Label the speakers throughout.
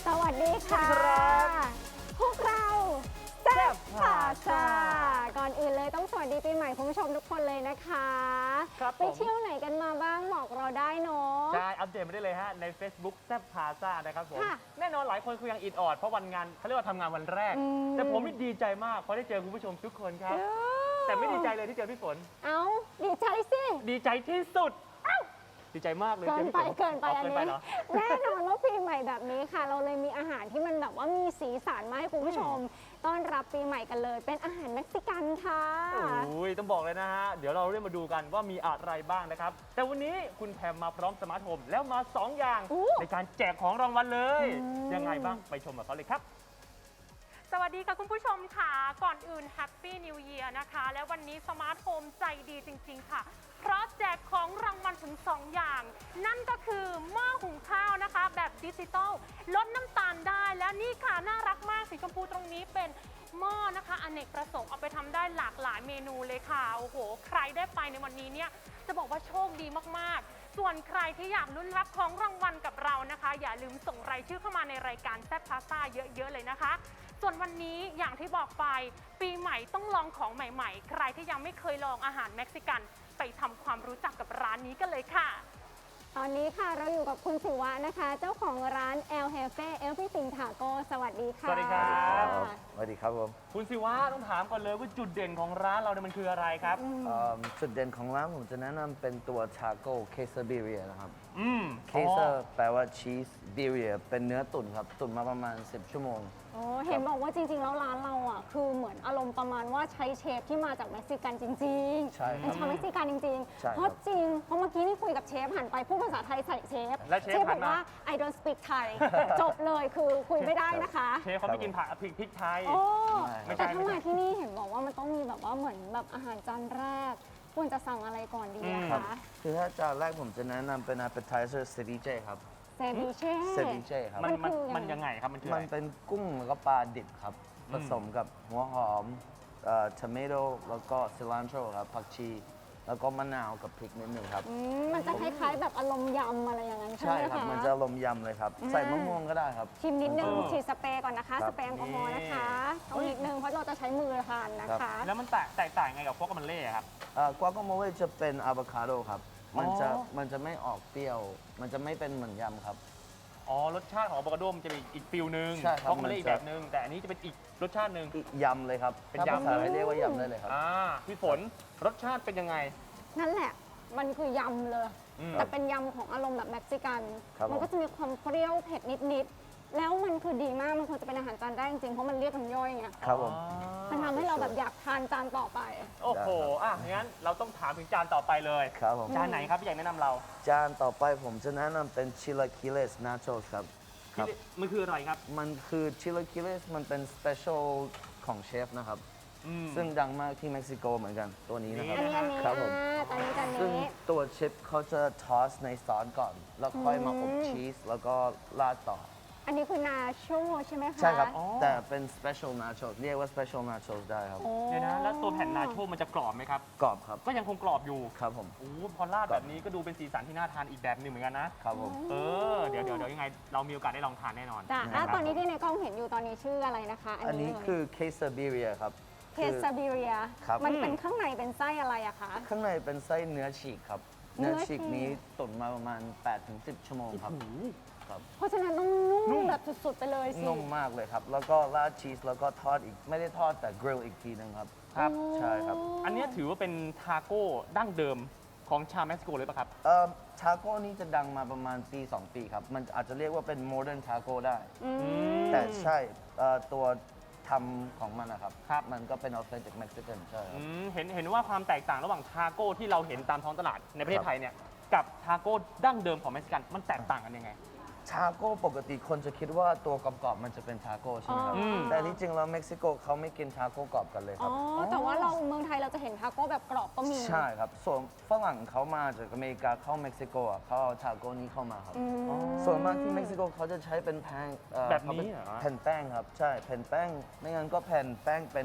Speaker 1: สวัสดีค่ะ พวกเราแซ่บพาซาก่อนอื่นเลยต้องสวัสดีปีใหม่คุณผู้ชมทุกคนเลยนะคะ
Speaker 2: ครับผม
Speaker 1: ไปเที่ยวไหนกันมาบ้างบอกเราได้เนาะ
Speaker 2: ใช่อัปเดตมาได้เลยฮะใน Facebook แซ่บพาซ่านะครับผม
Speaker 1: ค่ะ
Speaker 2: แน่นอนหลายคนคือยังอิดออดเพราะวันงานเขาเรียกว่าทำงานวันแรก แต่ผมนี่ดีใจมากเพราะได้เจอคุณผู้ชมทุกคนครับ แต่ไม่ดีใจเลยที่เจอพี่ฝน
Speaker 1: เอ้าดีใจสิ
Speaker 2: ดีใจที่สุดดีใจมากเลย
Speaker 1: เกินไป
Speaker 2: จอพี่ฝ
Speaker 1: เกินไป
Speaker 2: อา
Speaker 1: อัน
Speaker 2: เกินไป
Speaker 1: นี้
Speaker 2: เหรอ
Speaker 1: แน่นอนว่าปีใหม่แบบนี้ค่ะ เราเลยมีอาหารที่มันแบบว่ามีสีสันมาให้คุณผู้ชม ต้อนรับปีใหม่กันเลย เป็นอาหารเม็กซิกันค่ะ
Speaker 2: โอ้ยต้องบอกเลยนะฮะ เดี๋ยวเราเริ่มมาดูกันว่ามีอะไรบ้างนะครับ แต่วันนี้คุณแพมมาพร้อมสมาร์ทโฮมแล้วมา 2 อย่าง
Speaker 1: อู้
Speaker 2: ในการแจกของรางวัลเลย ยังไงบ้างไปชมกับเขาเลยครับ
Speaker 3: สวัสดีค่ะคุณผู้ชมค่ะ ก่อนอื่น Happy New Year นะคะ และวันนี้สมาร์ทโฮมใจดีจริงๆค่ะ เพราะแจกของรางวัลถึง 2 อย่าง นั่นก็คือหม้อหุงข้าวนะคะ แบบดิจิตอลลดน้ำตาลได้ และนี่ค่ะน่ารักมากสีชมพูตรงนี้เป็นหม้อนะคะอเนกประสงค์เอาไปทำได้หลากหลายเมนูเลยค่ะโอ้โหใครได้ไปในวันนี้เนี่ยจะบอกว่าโชคดีมากๆ ส่วนใครที่อยากลุ้นรับของรางวัลกับเรานะคะ อย่าลืมส่งรายชื่อเข้ามาในรายการแซ่บพาซ่าเยอะๆเลยนะคะ ส่วนวันนี้อย่างที่บอกไปปีใหม่ต้องลองของใหม่ๆ ใครที่ยังไม่เคยลองอาหารเม็กซิกันไปทำความรู้จักกับร้านนี้กันเลยค่ะ
Speaker 1: ตอนนี้ค่ะเราอยู่กับคุณศิวะนะคะ เจ้าของร้าน El Jefe Everything Taco สวัสดีค่ะ
Speaker 2: สวัสดีครับ
Speaker 4: สวัสดีครับผม
Speaker 2: คุณศิวะต้องถามก่อนเลยว่าจุดเด่นของร้านเราเนี่ยมันคืออะไรครับ
Speaker 4: จุดเด่นของร้านผมจะแนะนำเป็นตัวทาโก้เคซาบิเรียนะครับ เค
Speaker 2: อ๋อ
Speaker 4: ซาแปลว่าชีสบิเรียเป็นเนื้อตุ๋นครับ ตุ๋นมาประมาณ 10 ชั่วโมง
Speaker 1: โอ้เห็นบอกว่าจริงๆ แล้วร้านเราอ่ะคือเหมือนอารมณ์ประมาณว่าใช้เชฟที่มาจากเม็กซิกันจริงๆ
Speaker 4: ใช่ครับ
Speaker 1: เป็นชาวเม็กซิกันจริง
Speaker 4: ใช่
Speaker 1: ๆ
Speaker 4: ครับ
Speaker 1: เพราะจริง เพราะเมื่อกี้นี่คุยกับเชฟหันไปพูดภาษาไทยใส่เชฟ
Speaker 2: แล้วเชฟ
Speaker 1: บ
Speaker 2: หั
Speaker 1: อน ก
Speaker 2: มา
Speaker 1: ว่า I don't speak Thai จบเลยคือคุยไม่ได้นะคะ
Speaker 2: เชฟเขาไม่กินผักพริกไทย
Speaker 1: โอ้
Speaker 2: ไม่ใช่
Speaker 1: แต่ถ้ามาที่นี่เห็นบอกว่ามันต้องมีแบบว่าเหมือนแบบอาหารจานแรก ควรจะสั่งอะไรก่อนดีอะ
Speaker 4: ครับ
Speaker 1: คะ
Speaker 4: คือถ้าจานแรกผมจะแนะนำเป็น appetizer ceviche ครับ
Speaker 1: เซบิเช่
Speaker 4: ceviche ครับ
Speaker 2: มันยังไงครับมันคือ
Speaker 4: มั
Speaker 2: อะ
Speaker 4: น
Speaker 2: ไร
Speaker 4: เป็นกุ้งแล้วก็ปลาดิบครับ ผสมกับหัวหอมtomato แล้วก็ cilantro ครับผักชี แล้วก็มะนาวกับพริกนิดนึงครับ
Speaker 1: มันจะคล้ายๆ แบบอารมณ์ยำอะไรอย่างนั้นใช่
Speaker 4: ใช่
Speaker 1: ไหม
Speaker 4: ครับ
Speaker 1: คะ
Speaker 4: มันจะอารมณ์ยำเลยครับ ใส่มะม่วงก็ได้ครับ
Speaker 1: ชิมนิดนึง
Speaker 2: เออ
Speaker 1: ฉีดสเปรย์ก่อนนะคะ
Speaker 4: ครั
Speaker 1: ส
Speaker 4: บ
Speaker 1: เปรย์แอลกอฮอล์นะคะต้องนิดนึงเพราะเราจะใช้มือทานนะคะ
Speaker 2: แล้วมันแตกต่างไงกับพวกมันเล่ครับ
Speaker 4: กวา a โมเลจะเป็นอะโวคาโดครับ มันจะ
Speaker 2: อ๋อ
Speaker 4: มันจะไม่ออกเปรี้ยว มันจะไม่เป็นเหมือนยำครับ
Speaker 2: อ๋อรสชาติของอะโวคาโดมันจะเป็นอีกฟิลนึง
Speaker 4: ใช่ครับ
Speaker 2: พวกมันเล่
Speaker 4: มันจะ
Speaker 2: อีกแบบนึง แต่อันนี้จะเป็นอีกรสชาติหนึ่ง
Speaker 4: อีกยำเลยครับ
Speaker 2: เป็น
Speaker 4: ถ้าย
Speaker 2: ำ
Speaker 4: ภาษาไทยเรียกว่ายำได้เลยครับ
Speaker 2: พี่ฝนรสชาติเป็นยังไง
Speaker 1: นั่นแหละมันคือยำเลย
Speaker 2: อืม
Speaker 1: แต่เป็นยำของอารมณ์แบบเม็กซิกัน
Speaker 4: ครับ
Speaker 1: มันก็จะมีความเปรี้ยวเผ็ดนิดๆแล้วมันคือดีมากมันควรจะเป็นอาหารจานแรกจริงๆเพราะมันเรียกน้ำย่อยไง
Speaker 4: ครับผม
Speaker 1: มันทำให้เราแบบอยากทานจานต่อไป
Speaker 2: โอ้โหงั้นเราต้องถามถึงจานต่อไปเลย
Speaker 4: ครับผม
Speaker 2: จานไหนครับพี่ใหญ่แนะนำเรา
Speaker 4: จานต่อไปผมจะแนะนำเป็นชิลาคิเลสนาโชสครับ ครับ
Speaker 2: มันคืออะไรครับ
Speaker 4: มันคือชิลาคิเลสมันเป็นสเปเชียลของเชฟนะครับ
Speaker 2: อืม
Speaker 4: ซึ่งดังมากที่เม็กซิโกเหมือนกันตัวนี้นะครับ
Speaker 1: อันนี้
Speaker 4: ครับผม
Speaker 1: จานนี้จาน
Speaker 4: ซึ่ง
Speaker 1: นี้
Speaker 4: ตัวชิปเขาจะทอสในซอสก่อน แล้วค่อยมาอบชีสแล้วก็ราดต่อ
Speaker 1: อันนี้คือนาโชใช่ไหมคะ
Speaker 4: ใช่ครับ
Speaker 2: อ๋อ
Speaker 4: แต่เป็น special nachos เรียกว่า special nachos ได้ครับ
Speaker 1: โอ้
Speaker 2: เดี๋ยวนะแล้วตัวแผ่นนาโชมันจะกรอบไหมครับ
Speaker 4: กรอบครับ
Speaker 2: ก็ยังคงกรอบอยู่
Speaker 4: ครับผม
Speaker 2: โอ้พอราดแบบนี้ก็ดูเป็นสีสันที่น่าทานอีกแบบหนึ่งเหมือนกันนะ
Speaker 4: ครับผม
Speaker 2: เดี๋ยวยังไง เรามีโอกาสได้ลองทานแน่นอน
Speaker 1: จ้ะ
Speaker 2: ะ
Speaker 1: อ่ะ
Speaker 2: ครับ
Speaker 1: ตอนนี้ที่ในกล้องเห็นอยู่ตอนนี้ชื่ออะไรนะคะ
Speaker 4: อันนี้คือ quesadilla ครับ
Speaker 1: เคซาบิเรีย
Speaker 4: ครับ
Speaker 1: มันเป็นข้างในเป็นไส้อะไรอะคะ
Speaker 4: ข้างในเป็นไส้เนื้อฉีกครับ
Speaker 1: เนื้
Speaker 4: เนื้
Speaker 1: อ
Speaker 4: อ
Speaker 1: ฉี
Speaker 4: ฉี
Speaker 1: ก
Speaker 4: กนี้ตุ๋นมาประมาณ 8-10 ชั่วโมงครับ ครับ
Speaker 1: เพราะฉะนั้นต้องนุ่มแบบสุดๆไปเลยสิ
Speaker 4: นุ่มมากเลยครับ แล้วก็ราดชีสแล้วก็ทอดอีก ไม่ได้ทอดแต่กริลอีกทีนึงครับ
Speaker 2: ครับ
Speaker 4: ใช่ครับ
Speaker 2: อันเนี้ยถือว่าเป็นทาโก้ดั้งเดิมของชาวเม็กซิโกเลยป่ะครับ
Speaker 4: ทาโก้นี้จะดังมาประมาณปี 2 ปีครับ มันอาจจะเรียกว่าเป็น modern taco ได้ แต่ใช่ตัวทำของมันนะครับ
Speaker 2: ครับ
Speaker 4: มันก็เป็น authentic Mexican ใช่ครับ
Speaker 2: เห็นว่าความแตกต่างระหว่างทาโก้ที่เราเห็นตามท้องตลาดในประเท
Speaker 4: ครั
Speaker 2: ศ
Speaker 4: บ
Speaker 2: ไทยเนี่ยกับทาโก้ดั้งเดิมของเม็กซิกันมันแตกต่างกันยังไง
Speaker 4: ทาโก้ปกติคนจะคิดว่าตัวกรอบๆมันจะเป็นทาโก้ใช่ไหมครับ
Speaker 1: อ๋อ
Speaker 4: แต่ที่จริงแล้วเม็กซิโกเขาไม่กินทาโก้กรอบกันเลยค
Speaker 1: อ๋
Speaker 4: รั
Speaker 1: อ
Speaker 4: บ
Speaker 1: แต่ว่าเราเมืองไทยเราจะเห็นทาโก้แบบกรอบก็มี
Speaker 4: ใช่ครับ ส่วนฝรั่งเขามาจากอเมริกาเข้าเม็กซิโกอ่ะเขาเอาทาโก้นี้เข้ามาครับ ส่วนมากที่เม็กซิโกเขาจะใช้เป็นแป้ง
Speaker 2: แบบนี้เหรอ
Speaker 4: แผ่นแป้งครับ ใช่ แผ่นแป้ง ไม่งั้นก็แผ่นแป้งเป็น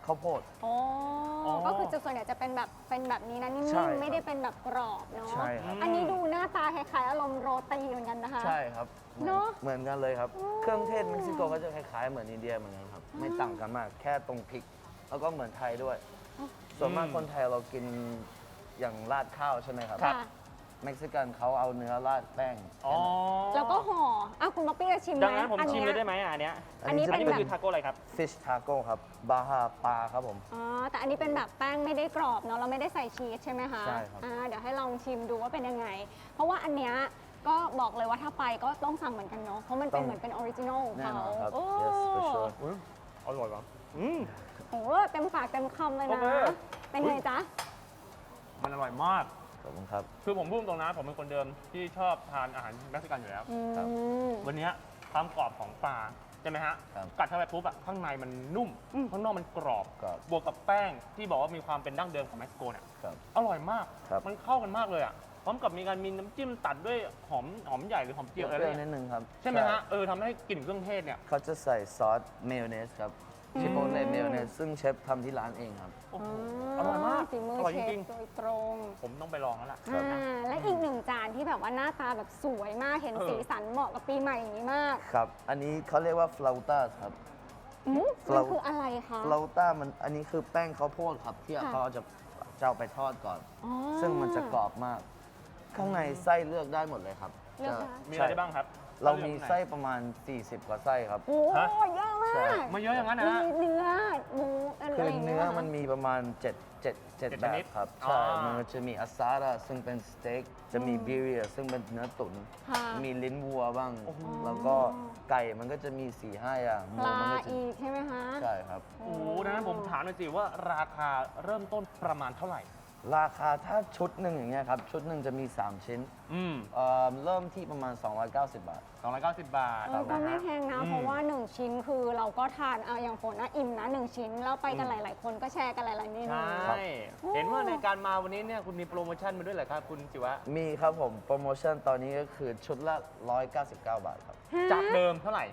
Speaker 4: ข้าวโพด
Speaker 1: อ๋อก็คือจะส่วนใหญ่จะเป็นแบบนี้นะนิ่
Speaker 4: ใช่
Speaker 1: ม
Speaker 4: ครับ
Speaker 1: ๆไม่ได้เป็นแบบกรอบเนาะ
Speaker 4: ใช่ครับ
Speaker 1: อันนี้ดูหน้าตาคล้ายๆอารมณ์โรตีเหมือนกันนะคะ
Speaker 4: ใช่ครับ
Speaker 1: เนอะ
Speaker 4: เหมือนกันเลยครับ เครื่องเทศเม็กซิโกก็จะคล้ายๆเหมือนอินเดียเหมือนกันครับ ไม่ต่างกันมากแค่ตรงพริก แล้วก็เหมือนไทยด้วย ส่วนมากคนไทยเรากินอย่างราดข้าวใช่ไหมครับ
Speaker 1: ค่ะ
Speaker 4: เม็กซิกันเขาเอาเนื้อราดแป้ง
Speaker 2: อ๋อ
Speaker 1: แล้วก็ห่ออ่ะคุณป๊อปปี้จะชิมไหม
Speaker 2: ดังนั้นผมชิมเลย
Speaker 1: อัน
Speaker 2: ได้
Speaker 1: เนี้ย
Speaker 2: ไหมอันเนี้ย
Speaker 1: อันนี้
Speaker 2: อันนี้
Speaker 1: เป็
Speaker 2: มัน น
Speaker 1: แบบ
Speaker 2: คือทาโก้อะไรครับ
Speaker 4: ฟิชทาโก้ครับ บาฮาปลาครับผม
Speaker 1: อ๋อแต่อันนี้เป็นแบบแป้งไม่ได้กรอบเนาะเราไม่ได้ใส่ชีสใช่ไหมคะ
Speaker 4: ใช่ครับ
Speaker 1: เดี๋ยวให้ลองชิมดูว่าเป็นยังไง เพราะว่าอันเนี้ยก็บอกเลยว่าถ้าไปก็ต้องสั่งเหมือนกันเนาะเพราะมันเป็นเหมือนเป็นออริจินอลของ
Speaker 4: แน่
Speaker 1: เขา
Speaker 4: นอนครับ
Speaker 1: โอ้
Speaker 4: yes for sure
Speaker 2: อุ๊ยอร่อยว่ะ
Speaker 1: โหเต็มปากเต็มคำเลย
Speaker 2: โอ
Speaker 1: นะ
Speaker 2: เค
Speaker 1: เป็นไงจ๊ะ
Speaker 2: มันอร่อยมาก
Speaker 4: ขอบคุณครับ
Speaker 2: คือผมพูดตรงนะผมเป็นคนเดิมที่ชอบทานอาหารเม็กซิกันอยู่แล้ว
Speaker 4: ครับ
Speaker 2: วันเนี้ยความกรอบของปลาใช่ไหมฮะ
Speaker 4: ครับ
Speaker 2: กัดเข้าไปปุ๊บอะข้างในมันนุ่ม ข้างนอกมันกรอบ
Speaker 4: กรอบ
Speaker 2: บวกกับแป้งที่บอกว่ามีความเป็นดั้งเดิมของเม็กซิโกเนี่ย
Speaker 4: ครับ
Speaker 2: อร่อยมาก
Speaker 4: ครับ
Speaker 2: มันเข้ากันมากเลยอะพร้อมกับมีการมีน้ำจิ้มตัดด้วยหอมใหญ่หรือหอมเจียวอะไร
Speaker 4: เปรี้ยวนิ
Speaker 2: เนี่ย
Speaker 4: ดนึงครับ
Speaker 2: ใช่ไหมฮะทำให้กลิ่นเครื่องเทศเนี่ย
Speaker 4: เขาจะใส่ซอสเมยองเนสครับชิโปเล่เมยองเนสซึ่งเชฟทำที่ร้านเองครับ
Speaker 2: โอ้โหอร่อยมาก
Speaker 1: ฝีมือ
Speaker 2: อร่อย
Speaker 1: เช
Speaker 2: จ
Speaker 1: ฟ
Speaker 2: ริง
Speaker 1: โดยตรง
Speaker 2: ๆผมต้องไปลองแล้วล่ะ
Speaker 1: และอีกหนึ่งจานที่แบบว่าหน้าตาแบบสวยมากเห็นสีสันเหมาะกับปีใหม่อย่างนี้มาก
Speaker 4: ครับ อันนี้เขาเรียกว่าฟลาต้าครับ
Speaker 1: มันคืออะไรคะ
Speaker 4: ฟลาต้ามันอันนี้คือแป้งข้าวโพดครับ ที่
Speaker 1: ค่ะ
Speaker 4: เขาจะเอาไปทอดก่อน
Speaker 1: อ๋อ
Speaker 4: ซึ่งมันจะกรอบมาก ข้างในไส้เลือกได้หมดเลยครับ
Speaker 1: เลือกได้
Speaker 2: มีอะไรได้บ้างครับ
Speaker 4: เรามีไส้ประมาณ 40 กว่าไส้ครับ
Speaker 1: โอ้
Speaker 2: ฮะ
Speaker 1: เยอะมา
Speaker 4: ใช่
Speaker 1: ก
Speaker 2: มาเยอะอย่างนั้นนะฮะ
Speaker 1: มีเนื้อหมูอะไร
Speaker 4: คือ
Speaker 1: อย่าง
Speaker 4: เนื้
Speaker 1: เงี้
Speaker 4: อย มันมีประมาณ7
Speaker 2: ช
Speaker 4: แบ
Speaker 2: นิ
Speaker 4: บ
Speaker 2: ด
Speaker 4: ครับ
Speaker 2: อ๋อ
Speaker 4: ใช่ มันจะมีอาซาระซึ่งเป็นสเต็ก จะมีบิเรียซึ่งเป็นเนื้อตุ๋น
Speaker 1: ค่ะ
Speaker 4: มีลิ้นวัวบ้าง
Speaker 2: โอ้โห
Speaker 4: แล้วก็ไก่มันก็จะมี 4-5 อย่างห
Speaker 1: ปลา
Speaker 4: มันก็จะ
Speaker 1: อีกใช่ไหมคะ
Speaker 4: ใช่ครับ
Speaker 2: โอ้โหดังนั้นผมถามหน่อยสิว่าราคาเริ่มต้นประมาณเท่าไหร่
Speaker 4: ราคาถ้าชุดหนึ่งอย่างเงี้ยครับ ชุดหนึ่งจะมี 3 ชิ้น เริ่มที่ประมาณ 290 บาท
Speaker 2: 290 บาท
Speaker 1: ก็ไม่แพงนะ
Speaker 2: อืม
Speaker 1: เพราะว่า 1 ชิ้นคือเราก็ทานอย่างฝนนะอิ่มนะ 1 ชิ้น แล้วไปกันหลาย ๆ คนก็แชร์กันหลาย ๆ เมนู
Speaker 2: ใช่ เห็นว่าในการมาวันนี้เนี่ยคุณมีโปรโมชั่นมาด้วยเหรอครับคุณจิวะ
Speaker 4: มีครับผม โปรโมชั่นตอนนี้ก็คือชุดละ 199 บาทครับ
Speaker 2: จากเดิมเท่าไหร่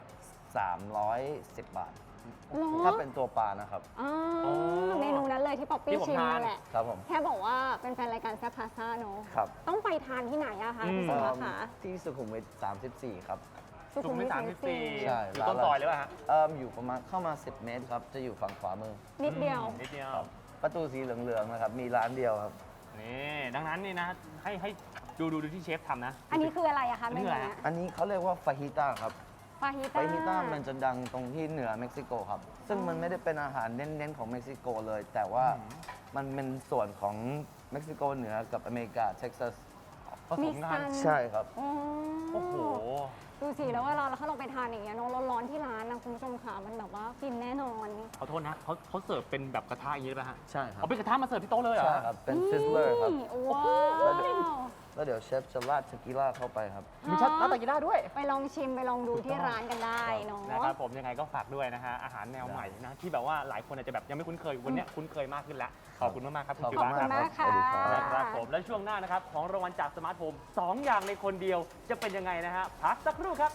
Speaker 4: 310 บาท
Speaker 1: เหรอ
Speaker 4: ถ้าเป็นตัวปลานะครับ
Speaker 1: อ๋อ
Speaker 2: อ๋อ
Speaker 1: เมนูนั้นเลยที่ป๊อป
Speaker 2: ที่
Speaker 1: ปี้
Speaker 2: ผม
Speaker 1: ชิม
Speaker 2: ทาน
Speaker 1: นั่นแหละ
Speaker 4: ครับผม
Speaker 1: แค่บอกว่าเป็นแฟนรายการแซ่บพาซ่าเนอะ
Speaker 4: ครับ
Speaker 1: ต้องไปทานที่ไหนอะคะ
Speaker 2: อืม
Speaker 1: พี่สุวัสดิ์คะ
Speaker 4: ที่สุขุมวิท 34 ครับ
Speaker 1: สุขุมวิท
Speaker 2: 34
Speaker 4: ใช่
Speaker 2: อยู่ต้นซอยเลยป่ะฮะ
Speaker 4: อยู่ประมาณเข้ามา 10 เมตรครับ จะอยู่ฝั่งขวามือ
Speaker 1: นิดเดียว
Speaker 2: นิดเดียว
Speaker 4: ครับประตูสีเหลืองๆนะครับ มีร้านเดียวครับ
Speaker 2: นี่ดังนั้นนี่นะให้ดูที่เชฟทำนะ
Speaker 1: อันนี้คืออะไรอะคะ
Speaker 2: อัน
Speaker 1: เม
Speaker 2: นี้
Speaker 1: นู
Speaker 2: คืออะไร
Speaker 1: เนี้
Speaker 2: ฮะ
Speaker 1: ย
Speaker 4: อันนี้เขาเรียกว่าฟาฮิต้าครับ
Speaker 1: ฟาฮิ
Speaker 4: ฟาฮิต้ามันจะดังตรงที่เหนือเม็กซิโกครับ ซึ่งมันไม่ได้เป็นอาหารเน้นๆของเม็กซิโกเลย แต่ว่ามันเป็นส่วนของเม็กซิโกเหนือกับอเมริกาเท็กซัส
Speaker 2: ผสมกัน
Speaker 4: ใช่ครับ
Speaker 2: โอ้โห
Speaker 1: ดูสิแล้วเวลาถ้าเราไปทานอย่างเงี้ยเนอะร้อนๆที่ร้านนะคุณผู้ชมค่ะมันแบบว่าฟินแน่นอน
Speaker 2: ขอโทษนะเขาเสิร์ฟเป็นแบบกระทะอย่างนี้ได้ป่ะฮะ
Speaker 4: ใช่ครับ
Speaker 2: เอาเป็นกระทะมาเสิร์ฟที่โต๊ะเลยเหรอ
Speaker 4: ใช่ครับ เป็นฟิสเลอร์ครับ
Speaker 1: นี่ว้าว
Speaker 4: แล้วเดี๋ยวเชฟจะราดเทกิล่าเข้าไปครับ
Speaker 2: มีชัดน้ำตากีด้าด้วย
Speaker 1: ไปลองชิมไปลองดูที่ร้านกันได้เนาะ
Speaker 2: นะครับผมยังไงก็ฝากด้วยนะฮะอาหารแนวใหม่นะที่แบบว่าหลายคนอาจจะแบบยังไม่คุ้นเคยวันเนี้ยคุ้นเคยมากขึ้นแล้วขอบคุณมากๆครับคุณ
Speaker 4: ขอบ
Speaker 2: จิ
Speaker 4: คุ
Speaker 2: วะ
Speaker 4: ณ
Speaker 2: ค
Speaker 4: มาก
Speaker 2: รับ
Speaker 1: มากค่ะ
Speaker 4: สวัสดีครับ
Speaker 2: นะครับผมและช่วงหน้านะครับของรางวัลจากสมาร์ทโฮม2อย่างในคนเดียวจะเป็นยังไงนะฮะพักสักครู่ครับ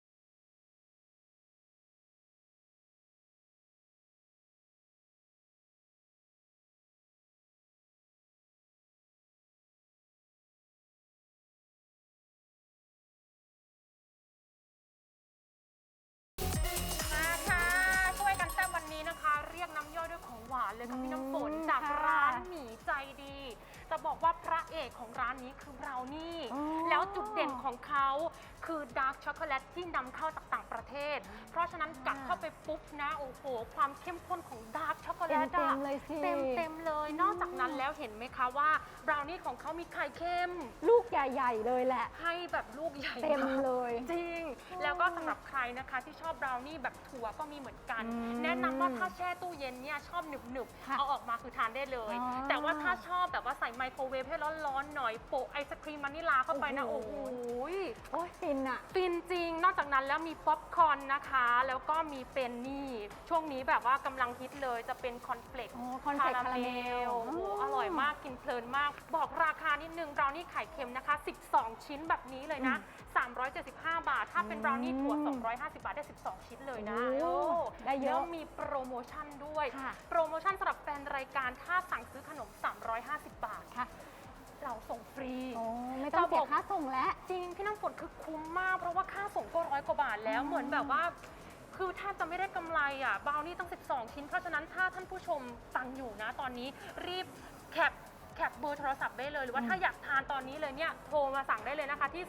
Speaker 3: มาค่ะช่วยกันแซ่บวันนี้นะคะ เรียกน้ำย่อยด้วยของหวานเลยค่ะพี่น้ำฝนจาก
Speaker 1: ค่ะ
Speaker 3: ร้านหมีใจดี จะบอกว่าพระเอกของร้านนี้คือเรานี่
Speaker 1: อ๋อ
Speaker 3: แล้วจุดเด่นของเขาคือดาร์กช็อกโกแลตที่นำเข้าจากต่างประเทศ เพราะฉะนั้นกัดเข้าไปปุ๊บนะโอ้โหความเข้มข้นของดาร์กช็อกโกแลต
Speaker 1: เต็มๆเลยสิ
Speaker 3: เต็มเลย นอกจากนั้นแล้วเห็นไหมคะว่าบราวนี่ของเขามีไข่เค็ม
Speaker 1: ลูกใหญ่ๆเลยแหละ
Speaker 3: ให้แบบลูกใหญ่
Speaker 1: เต็ม
Speaker 3: าก
Speaker 1: เลย
Speaker 3: จริง แล้วก็สำหรับใครนะคะที่ชอบบราวนี่แบบถั่วก็มีเหมือนกัน
Speaker 1: อืม
Speaker 3: แนะนำว่าถ้าแช่ตู้เย็นเนี่ยชอบหนึบ
Speaker 1: ค่ะ
Speaker 3: ๆเอาออกมาคือทานได้เลย
Speaker 1: อ๋อ
Speaker 3: แต่ว่าถ้าชอบแบบว่าใส่ไมโครเวฟให้ร้อนๆหน่อยโปะไอศครีมวานิลาเข้าไปนะ
Speaker 1: โอ้
Speaker 3: โอ้
Speaker 1: โห
Speaker 3: โห
Speaker 1: โอ้ยฟินอ่ะ
Speaker 3: ฟินจริง นอกจากนั้นแล้วมีป๊อปคอร์นนะคะ แล้วก็มีเป็นนี่ช่วงนี้แบบว่ากำลังฮิตเลยจะเป็นคอนเฟลก
Speaker 1: โอ้คอนเฟลกคาราเมล
Speaker 3: โอ้โหอร่อยมากกินเพลินมาก บอกราคานิดนึงบราวนี่ไข่เค็มนะคะ 12 ชิ้นแบบนี้เลยนะ 375 บาท ถ้าเป็นบราวนี่ถั่ว 250 บาทได้ 12 ชิ้นเลยนะ
Speaker 1: โอ้ได้เยอะ
Speaker 3: แล้วมีโปรโมชั่นด้วย
Speaker 1: ค่ะ
Speaker 3: โปรโมชั่นสำหรับแฟนรายการถ้าสั่งซื้อขนม 350 บาท
Speaker 1: ค่ะ
Speaker 3: เราส่งฟรี
Speaker 1: โอ้ไม่ต้องเสียค่าส่งแล้ว
Speaker 3: จริงพี่น้ำฝนคือคุ้มมาก เพราะว่าค่าส่งก็100 กว่าบาทแล้วเหมือนแบบว่า คือแทบจะไม่ได้กำไรอ่ะบราวนี่ตั้ง 12 ชิ้น เพราะฉะนั้นถ้าท่านผู้ชมฟังอยู่นะตอนนี้รีบแคปเบอร์โทรศัพท์ได้เลย หรือว่าถ้าอยากทานตอนนี้เลยเนี่ยโทรมาสั่งได้เลยนะคะที่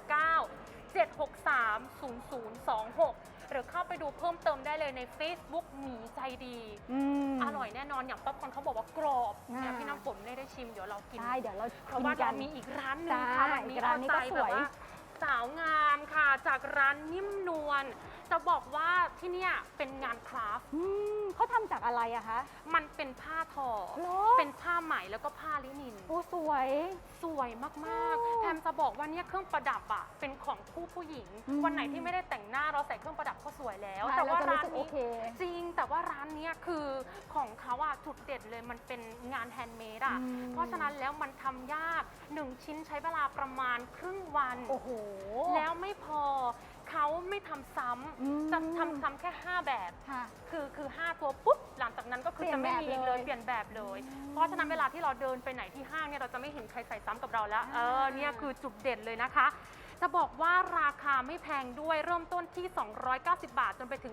Speaker 3: 089-763-0026 หรือเข้าไปดูเพิ่มเติมได้เลยใน Facebook หมีใจดี อร่อยแน่นอนอย่างป๊อปคอร์นเขาบอกว่ากรอบเนี่ยพี่น้ำฝนไม่ได้ชิมเดี๋ยวเรากิน
Speaker 1: ใช่เดี๋ยวเรา
Speaker 3: เพราะว่าเรามีอีกร้านหนึ่ง
Speaker 1: จ้า
Speaker 3: ค่ะวันนี้
Speaker 1: อีกร้านนี้ก็
Speaker 3: เอใจ
Speaker 1: ส
Speaker 3: แบ
Speaker 1: วย
Speaker 3: บว่าสาวงามค่ะ จากร้านนิ่มนวลจะบอกว่าที่เนี่ยเป็นงานคราฟต์
Speaker 1: เขาทำจากอะไรอะคะ
Speaker 3: มันเป็นผ้าทอ
Speaker 1: เหรอ
Speaker 3: เป็นผ้าไหมแล้วก็ผ้าลินิน
Speaker 1: โอ้สวย
Speaker 3: สวยมากๆแพมจะบอกว่าเนี่ยเครื่องประดับอะเป็นของผู้หญิง วันไหนที่ไม่ได้แต่งหน้าเราใส่เครื่องประดับก็สวยแล้ว
Speaker 1: ใช่
Speaker 3: แต่ว่า
Speaker 1: เราจะรู้
Speaker 3: ร้าน
Speaker 1: สึกโอ
Speaker 3: นี้
Speaker 1: เค
Speaker 3: จริงแต่ว่าร้านเนี้ยคือของเขาอะจุดเด่นเลยมันเป็นงานแฮนด์เมดอะ เพราะฉะนั้นแล้วมันทำยาก1ชิ้นใช้เวลาประมาณครึ่งวัน
Speaker 1: โอ้โห
Speaker 3: แล้วไม่พอเขาไม่ทำซ้
Speaker 1: อืม
Speaker 3: ำจะทำซ้ำแค่ 5 แบบ
Speaker 1: ค่ะ
Speaker 3: คือ 5 ตัวปุ๊บ หลังจากนั้นก็คือจะไม่มีอีกเลย
Speaker 1: เป
Speaker 3: เป
Speaker 1: ลี่
Speaker 3: ลี่
Speaker 1: ย
Speaker 3: ย
Speaker 1: น
Speaker 3: น
Speaker 1: แบ
Speaker 3: แบบ บ
Speaker 1: เล
Speaker 3: เลย ย เพราะฉะนั้นเวลาที่เราเดินไปไหนที่ห้างเนี่ยเราจะไม่เห็นใครใส่ซ้ำกับเราแล้ว เนี่ยคือจุดเด่นเลยนะคะ จะบอกว่าราคาไม่แพงด้วยเริ่มต้นที่ 290 บาท จนไปถึง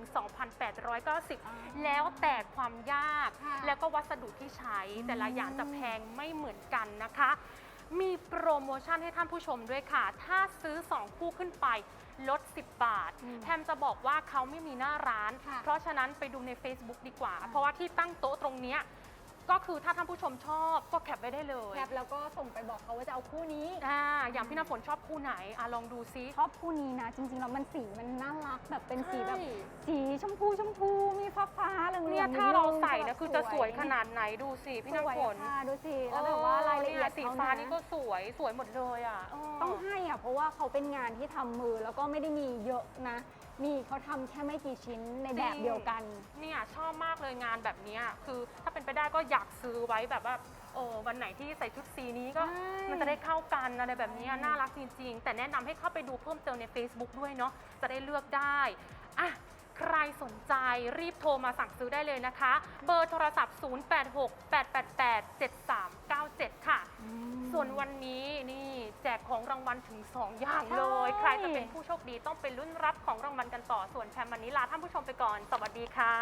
Speaker 3: 2,890 แล้วแต่ความยาก
Speaker 1: ค่ะ
Speaker 3: แล้วก็วัสดุที่ใช้แต่ละอย่างจะแพงไม่เหมือนกันนะคะ มีโปรโมชั่นให้ท่านผู้ชมด้วยค่ะ ถ้าซื้อ 2 คู่ขึ้นไปลด 10 บาท แพมจะบอกว่าเขาไม่มีหน้าร้าน
Speaker 1: ค่ะ
Speaker 3: เพราะฉะนั้นไปดูใน Facebook ดีกว่า เพราะว่าที่ตั้งโต๊ะตรงเนี้ยก็คือถ้าท่านผู้ชมชอบก็แคปไว้ได้เลย
Speaker 1: แคปแล้วก็ส่งไปบอกเขาว่าจะเอาคู่นี้
Speaker 3: อย่างพี่น้ำฝนชอบคู่ไหนลองดูซิ
Speaker 1: ชอบคู่นี้นะ จริงๆแล้วมันสีมันน่ารักแบบเป็นสีแบบ
Speaker 3: ใช่
Speaker 1: สีชมพูมีฟ้าเหลืองๆ
Speaker 3: เนี่ยถ้าเราใส่นะคือจะสวยข
Speaker 1: ด
Speaker 3: นาดไหนดูสิพี่น้ำฝน
Speaker 1: ค่ะดูสิแล้วแบบว่ารายละเอียด
Speaker 3: สี
Speaker 1: เขา
Speaker 3: ฟ้า
Speaker 1: นะ
Speaker 3: นี่ก็สวยหมดเลยอ่ะ
Speaker 1: ต้องให้อ่ะเพราะว่าเขาเป็นงานที่ทำมือแล้วก็ไม่ได้มีเยอะนะ มีเขาทำแค่ไม่กี่ชิ้นในแบบเดียวกัน
Speaker 3: เนี่ยชอบมากเลยงานแบบเนี้ยคือถ้าเป็นไปได้ก็อยากซื้อไว้แบบว่าวันไหนที่ใส่ชุดสีนี้ก็
Speaker 1: ใช่
Speaker 3: มันจะได้เข้ากันอะไรแบบเนี้ยน่ารักจริงๆ แต่แนะนำให้เข้าไปดูเพิ่มเติมใน Facebook ด้วยเนาะจะได้เลือกได้อ่ะใครสนใจรีบโทรมาสั่งซื้อได้เลยนะคะ เบอร์โทรศัพท์ 0868887397 ค่ะ ส่วนวันนี้นี่แจกของรางวัลถึง 2 อย่างเลย ใครจะเป็นผู้โชคดีต้องไปลุ้นรับของรางวัลกันต่อ ส่วนแพมวันนี้ลาท่านผู้ชมไปก่อน สวัสดีค่ะ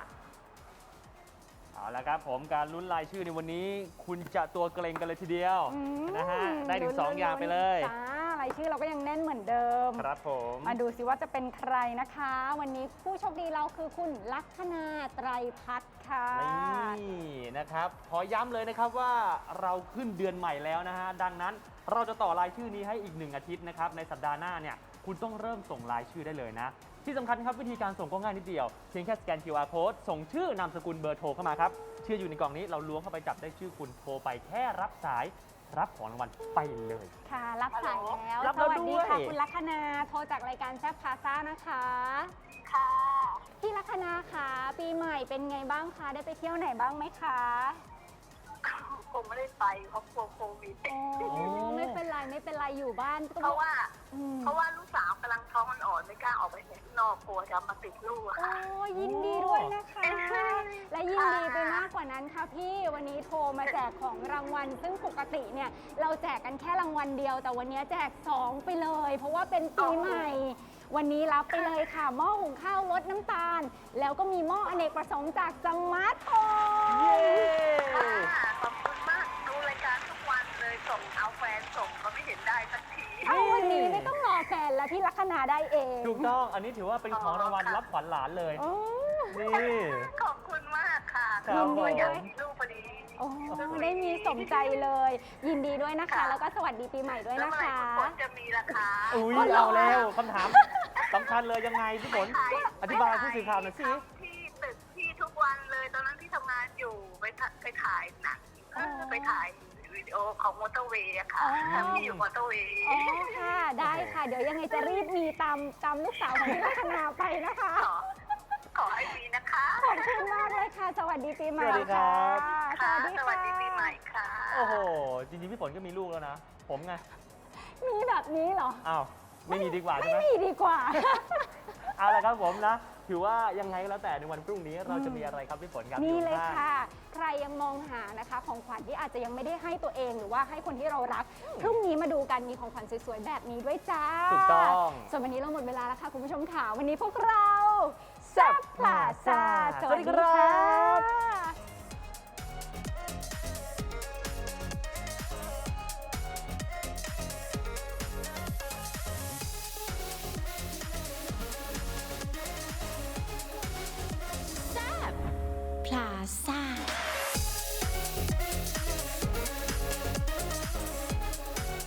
Speaker 2: เอาละครับผมการลุ้นรายชื่อในวันนี้ คุณจะตัวเกรงกันเลยทีเดียว นะฮะได้ถึง 2 อย่างไปเลย
Speaker 1: จ้ารายชื่อเราก็ยังแน่นเหมือนเดิม
Speaker 2: ครับผม
Speaker 1: มาดูสิว่าจะเป็นใครนะคะ วันนี้ผู้โชคดีเราคือคุณลัคนาไตรพัฒน์ค่ะ
Speaker 2: นี่นะครับขอย้ำเลยนะครับว่าเราขึ้นเดือนใหม่แล้วนะฮะดังนั้นเราจะต่อรายชื่อนี้ให้อีก1 อาทิตย์นะครับในสัปดาห์หน้าเนี่ยคุณต้องเริ่มส่งรายชื่อได้เลยนะ ที่สำคัญครับวิธีการส่งก็ง่ายนิดเดียวเพียงแค่สแกน QR code ส่งชื่อนามสกุลเบอร์โทรเข้ามาครับชื่ออยู่ในกล่องนี้เราล้วงเข้าไปจับได้ชื่อคุณโทรไปแค่รับสายรับของรางวัลไปเลย
Speaker 1: ค่ะ รับสายแล้ว
Speaker 2: รับ
Speaker 1: ส
Speaker 2: แล้ว
Speaker 1: วัสดีค่ะ
Speaker 2: ด้วย
Speaker 1: คุณลัคนาโทรจากรายการแซ่บพาซ่านะคะ
Speaker 5: ค่ะ
Speaker 1: พี่ลัคนาค่ะปีใหม่เป็นไงบ้างคะได้ไปเที่ยวไหนบ้างไหมคะ
Speaker 5: คงไม่ได้ไปเพราะกลัวโควิด
Speaker 1: โอ้ไม่เป็นไรอยู่บ้านก็
Speaker 5: เพราะว่า
Speaker 1: อืม
Speaker 5: เพราะว่าลูกสาวกำลังท้องอ่อนๆไม่กล้าออกไปข้างนอกกลัวจะมาติดลูกอะ
Speaker 1: โอ้
Speaker 5: ค่ะ
Speaker 1: ยินดีด้วยนะคะ และยินดีไปมากกว่านั้นค่ะพี่วันนี้โทรมาแจกของรางวัล ซึ่งปกติเนี่ยเราแจกกันแค่รางวัลเดียว แต่วันนี้แจก 2 ไปเลย เพราะว่าเป็นปีใหม่ วันนี้รับไปเลยค่ะหม้อหุงข้าวลดน้ำตาล แล้วก็มีหม้ออเนกประสงค์จากสมาร์ทโฮม
Speaker 2: เย้
Speaker 5: ค่ะขอบคุณมากดูรายการทุกวันเลยส่งเอาแฟนส่งก็ไม่เห็นได้สักที
Speaker 1: เอาวันนี้ไม่ต้องรอแฟนแล้วพี่ลัคนาได้เอง
Speaker 2: ถูกต้องอันนี้ถือว่าเป็นของรางวัลรับขวัญหลานเลย
Speaker 1: โอ้
Speaker 2: นี่
Speaker 5: ขอบคุณมากค่ะ
Speaker 2: ครับผม
Speaker 5: อยากมีลูกพอดี
Speaker 1: โอ้ได้มีสมใจเลย ยินดีด้วยนะคะ
Speaker 5: ค่ะ
Speaker 1: แล้วก็สวัสดีปีใหม่ด้วย
Speaker 5: แล้ว
Speaker 1: นะ
Speaker 5: เมื่อไหร่
Speaker 1: คะ
Speaker 5: คุณฝนจะมีราคา
Speaker 2: อุ้ย
Speaker 1: อ๋อเหรอ
Speaker 2: เอาแล้วคำถามสำคัญเลยยังไงพี่ฝนอธิบายผู้สื่อข่าวหน่อยสิ
Speaker 5: ที่ตึกที่ทุกวันเลยตอนนั้นที่ทำงานอยู่ไปถ่ายหนังไปถ่ายวิดีโอโอของมอเตอร์เวย์อะค่ะ
Speaker 1: อ๋อ
Speaker 5: พี่อยู่มอเตอร์เวย์
Speaker 1: อ๋อค่ะ ได้ค่ะ เดี๋ยวยังไงจะรีบมีตามลูกสาวของพี่ลัคนาไปนะคะ
Speaker 5: ขอให้มีนะคะ
Speaker 1: ขอบคุณมากเลยค่ะ สวัสดีปีใหม่
Speaker 2: สวัสดีครับ
Speaker 5: ค่ะ
Speaker 1: ส
Speaker 5: ส
Speaker 1: วั
Speaker 5: วั
Speaker 1: ส
Speaker 5: ส
Speaker 1: ดี
Speaker 5: ดีปีใหม่ค่ะ
Speaker 2: โอ้โห จริงๆ พี่ฝนก็มีลูกแล้วนะ ผมไง
Speaker 1: มีแบบนี้เหรอ
Speaker 2: อ้าว ไม่มีดีกว่าใช่ไหม
Speaker 1: ไม่มีดีกว่า
Speaker 2: เอาละครับผมนะ ถือว่ายังไงก็แล้วแต่ในวันพรุ่งนี้เราจะมีอะไรครับพี่ฝนครับ
Speaker 1: นี่เลย
Speaker 2: อข้าง
Speaker 1: ค่ะ ใครยังมองหานะคะ ของขวัญที่อาจจะยังไม่ได้ให้ตัวเองหรือว่าให้คนที่เรารัก พรุ่งนี้มาดูกันมีของขวัญสวยๆแบบนี้ด้วยจ้า
Speaker 2: ถูกต้อง
Speaker 1: ส่วนวันนี้เราหมดเวลาแล้วค่ะคุณผู้ชมค่ะ วันนี้พวกเราแซ่บพลาซ่าสวัสดีครับ